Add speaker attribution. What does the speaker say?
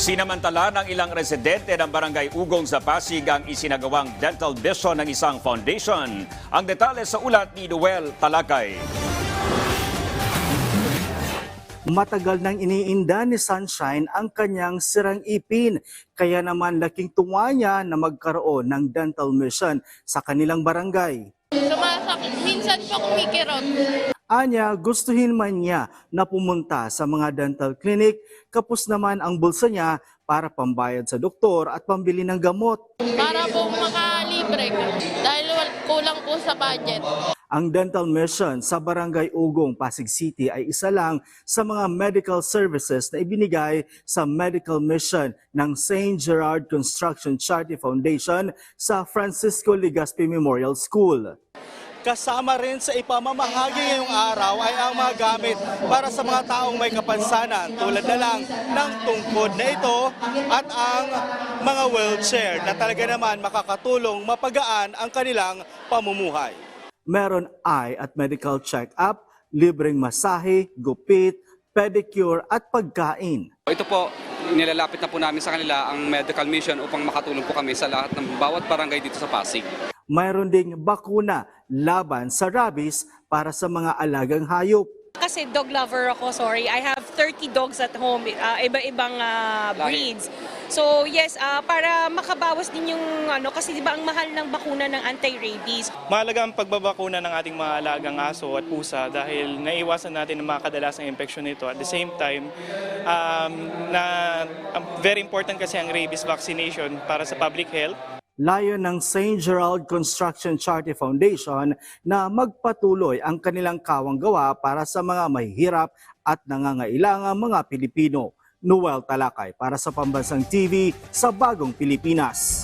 Speaker 1: Sinamantala ng ilang residente ng Barangay Ugong sa Pasig ang isinagawang dental vision ng isang foundation. Ang detalye sa ulat ni Noel Talakay.
Speaker 2: Matagal nang iniinda ni Sunshine ang kanyang sirang ipin, kaya naman laking tuwa niya na magkaroon ng dental mission sa kanilang barangay.
Speaker 3: Sumasakit. Minsan pa kumikirot.
Speaker 2: Anya, gustuhin man niya na pumunta sa mga dental clinic, kapos naman ang bulsa niya para pambayad sa doktor at pambili ng gamot.
Speaker 3: Para po makalibre dahil kulang po sa budget.
Speaker 2: Ang dental mission sa Barangay Ugong, Pasig City ay isa lang sa mga medical services na ibinigay sa medical mission ng St. Gerard Construction Charity Foundation sa Francisco Legazpi Memorial School. Kasama rin sa ipamamahagi ngayong araw ay ang mga gamit para sa mga taong may kapansanan tulad na lang ng tungkod na ito at ang mga wheelchair na talaga naman makakatulong mapagaan ang kanilang pamumuhay. Meron eye at medical check-up, libreng masahe, gupit, pedicure at pagkain.
Speaker 4: Ito po, nilalapit na po namin sa kanila ang medical mission upang makatulong po kami sa lahat ng bawat barangay dito sa Pasig.
Speaker 2: Mayroon ding bakuna laban sa rabies para sa mga alagang hayop.
Speaker 5: Kasi dog lover ako, sorry. I have 30 dogs at home, iba-ibang breeds. So yes, para makabawas din yung kasi 'di ba ang mahal ng bakuna ng anti-rabies.
Speaker 6: Mahalaga ang pagbabakuna ng ating mga alagang aso at pusa dahil naiiwasan natin ang mga kadalasang infeksyon nito. At the same time, very important kasi ang rabies vaccination para sa public health.
Speaker 2: Layon ng St. Gerald Construction Charity Foundation na magpatuloy ang kanilang kawang-gawa para sa mga mahihirap at nangangailangang mga Pilipino. Noel Talakay para sa Pambansang TV sa Bagong Pilipinas.